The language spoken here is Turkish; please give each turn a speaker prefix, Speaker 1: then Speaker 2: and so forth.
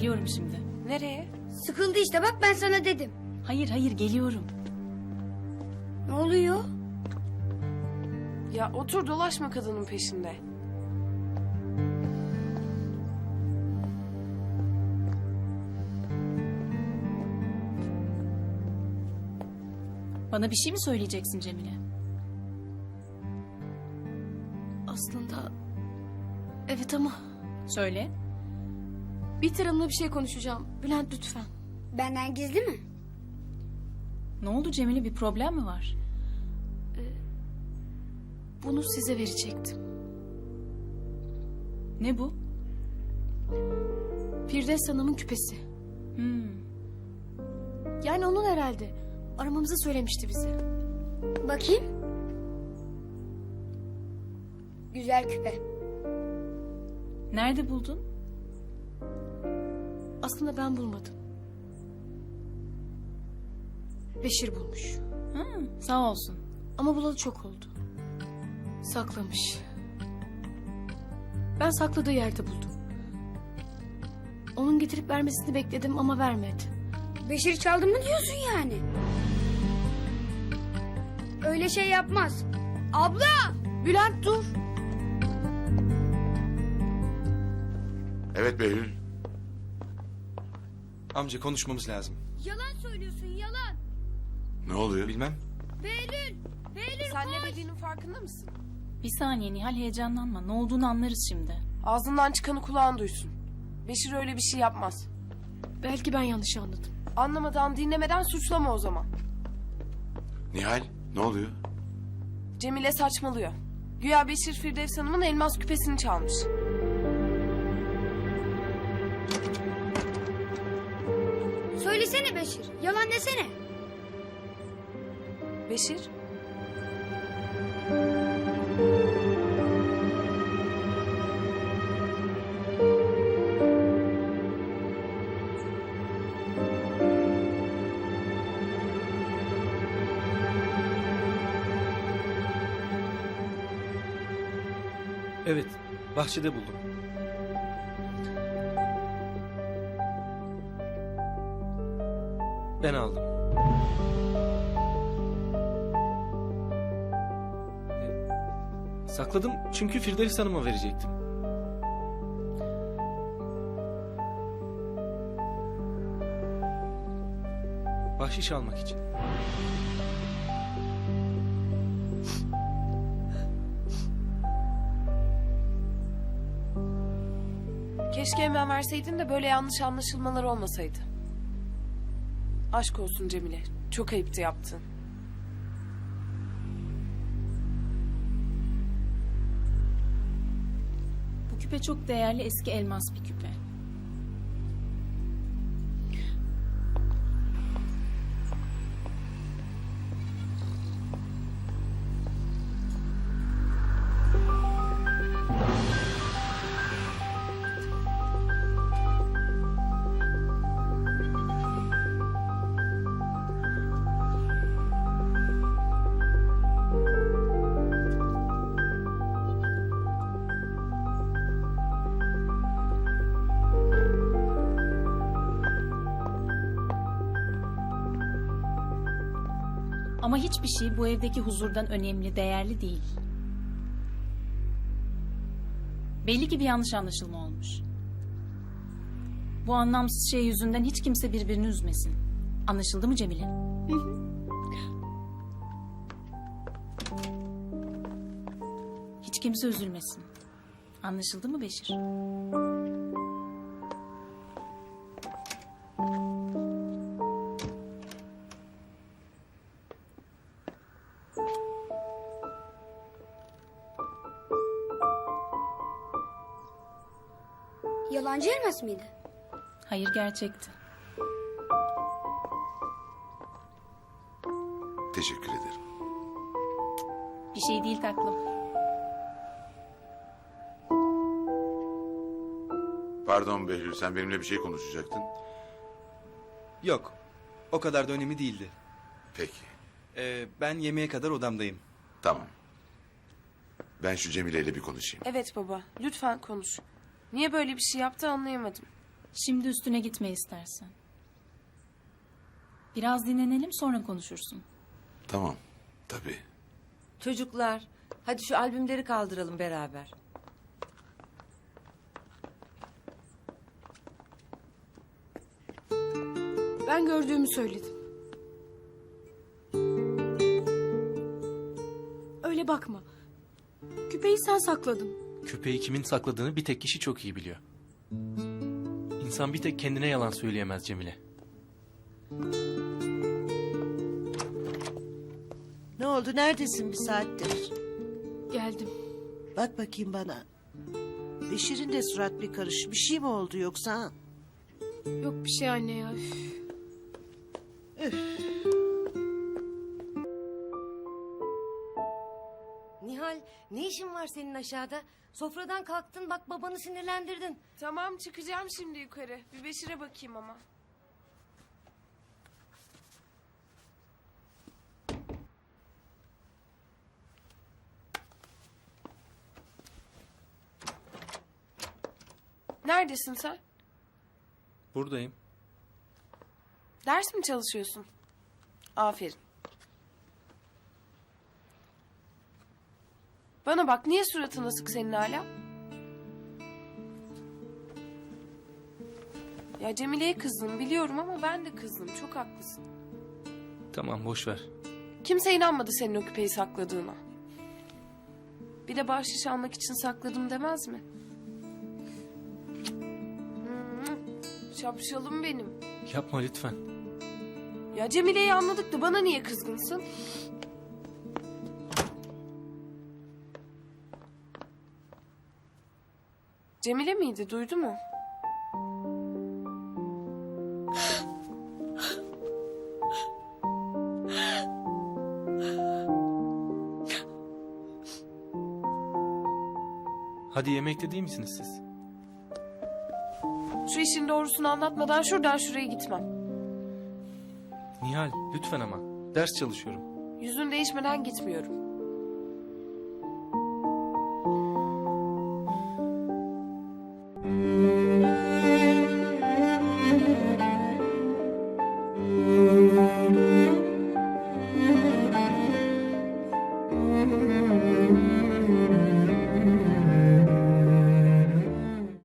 Speaker 1: Geliyorum şimdi.
Speaker 2: Nereye?
Speaker 3: Sıkıldı işte, bak ben sana dedim.
Speaker 1: Hayır geliyorum.
Speaker 3: Ne oluyor?
Speaker 2: Ya otur dolaşma kadının peşinde.
Speaker 1: Bana bir şey mi söyleyeceksin Cemile?
Speaker 4: Aslında evet ama
Speaker 1: Söyle.
Speaker 4: Bihter Hanım'la bir şey konuşacağım. Bülent lütfen.
Speaker 3: Benden gizli mi?
Speaker 1: Ne oldu Cemile, bir problem mi var?
Speaker 4: Bunu size verecektim.
Speaker 1: Ne bu?
Speaker 4: Firdevs Hanım'ın küpesi. Yani onun herhalde. Aramamızı söylemişti bize.
Speaker 3: Bakayım. Güzel küpe.
Speaker 1: Nerede buldun?
Speaker 4: Aslında ben bulmadım. Beşir bulmuş.
Speaker 1: Sağ olsun.
Speaker 4: Ama bulalı çok oldu. Saklamış. Ben sakladığı yerde buldum. Onun getirip vermesini bekledim ama vermedi.
Speaker 3: Beşir çaldı mı diyorsun yani? Öyle şey yapmaz. Abla!
Speaker 4: Bülent dur.
Speaker 5: Evet Behlül.
Speaker 6: Amca konuşmamız lazım.
Speaker 3: Yalan söylüyorsun, yalan.
Speaker 5: Ne oluyor?
Speaker 6: Bilmem.
Speaker 3: Behlül! Behlül
Speaker 2: Sen ne
Speaker 3: koş!
Speaker 2: dediğinin farkında mısın?
Speaker 1: Bir saniye Nihal, heyecanlanma. Ne olduğunu anlarız şimdi.
Speaker 2: Ağzından çıkanı kulağın duysun. Beşir öyle bir şey yapmaz.
Speaker 4: Belki ben yanlış anladım.
Speaker 2: Anlamadan dinlemeden suçlama o zaman.
Speaker 5: Nihal ne oluyor?
Speaker 2: Cemile saçmalıyor. Güya Beşir Firdevs Hanım'ın elmas küpesini çalmış.
Speaker 3: Söylesene Beşir, yalan desene.
Speaker 2: Beşir?
Speaker 6: Evet, bahçede buldum. Ben aldım. Sakladım çünkü Firdevs Hanım'a verecektim. Bahşiş almak için.
Speaker 2: Keşke hemen verseydin de böyle yanlış anlaşılmalar olmasaydı. Aşk olsun Cemile. Çok ayıptı yaptın.
Speaker 1: Bu küpe çok değerli, eski elmas bir küpe. Ama hiçbir şey bu evdeki huzurdan önemli, değerli değil. Belli ki bir yanlış anlaşılma olmuş. Bu anlamsız şey yüzünden hiç kimse birbirini üzmesin. Anlaşıldı mı Cemile? Hiç kimse üzülmesin. Anlaşıldı mı Beşir?
Speaker 3: Yalancı elmas mıydı?
Speaker 1: Hayır, gerçekti.
Speaker 5: Teşekkür ederim.
Speaker 1: Bir şey değil taklım.
Speaker 5: Pardon Behlül, sen benimle bir şey konuşacaktın.
Speaker 6: Yok, o kadar da önemli değildi.
Speaker 5: Peki,
Speaker 6: Ben yemeğe kadar odamdayım.
Speaker 5: tamam. Ben şu Cemile ile bir konuşayım.
Speaker 2: Evet baba. Lütfen konuş. Niye böyle bir şey yaptı anlayamadım.
Speaker 1: Şimdi üstüne gitme istersen. Biraz dinlenelim, sonra konuşursun.
Speaker 5: Tamam. Tabii.
Speaker 7: Çocuklar, hadi şu albümleri kaldıralım beraber.
Speaker 2: Ben gördüğümü söyledim.
Speaker 4: Öyle bakma. Küpeyi sen sakladın.
Speaker 8: Küpeyi kimin sakladığını bir tek kişi çok iyi biliyor. İnsan bir tek kendine yalan söyleyemez Cemile.
Speaker 9: Ne oldu? Neredesin bir saattir?
Speaker 4: Geldim.
Speaker 9: Bak bakayım bana. Beşir'in de surat bir karış. Bir şey mi oldu yoksa?
Speaker 4: Yok bir şey anne ya. Üf.
Speaker 7: Nihal, ne işin var senin aşağıda? Sofradan kalktın, bak babanı sinirlendirdin.
Speaker 2: Tamam, çıkacağım şimdi yukarı. Bir Beşir'e bakayım ama. Neredesin sen?
Speaker 8: Buradayım.
Speaker 2: Ders mi çalışıyorsun? Aferin. Bana bak, niye suratın asık senin hala? Ya Cemile'ye kızdım biliyorum ama ben de kızdım. Çok haklısın.
Speaker 8: Tamam boş ver.
Speaker 2: Kimse inanmadı senin o küpeyi sakladığına. Bir de bahşiş almak için sakladım demez mi? Şapşalım benim.
Speaker 8: Yapma lütfen.
Speaker 2: Ya Cemile'yi anladık da bana niye kızgınsın? Cemile miydi? Duydu mu?
Speaker 8: Hadi yemekte değil misiniz siz?
Speaker 2: Şu işin doğrusunu anlatmadan şuradan şuraya gitmem.
Speaker 8: Nihal lütfen ama. Ders çalışıyorum.
Speaker 2: Yüzün değişmeden gitmiyorum.